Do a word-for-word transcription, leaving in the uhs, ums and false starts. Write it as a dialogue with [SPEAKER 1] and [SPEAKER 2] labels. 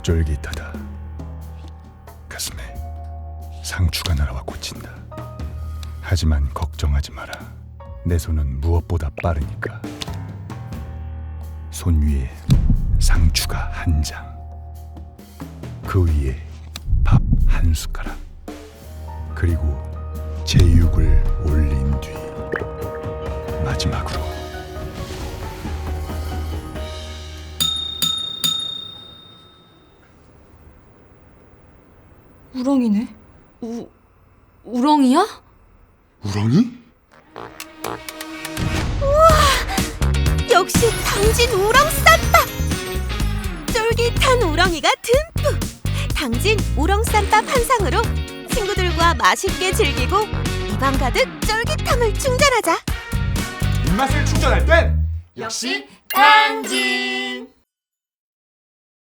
[SPEAKER 1] 쫄깃하다. 가슴에 상추가 날아와 꽂힌다. 하지만 걱정하지 마라. 내 손은 무엇보다 빠르니까. 손 위에 상추가 한 장, 그 위에 밥 한 숟가락, 그리고 제육을 올린 뒤 마지막으로
[SPEAKER 2] 우렁이네. 우... 우렁이야?
[SPEAKER 1] 우렁이?
[SPEAKER 3] 역시 당진 우렁쌈밥! 쫄깃한 우렁이가 듬뿍! 당진 우렁쌈밥 한 상으로 친구들과 맛있게 즐기고 입안 가득 쫄깃함을 충전하자!
[SPEAKER 4] 입맛을 충전할 땐
[SPEAKER 3] 역시 당진!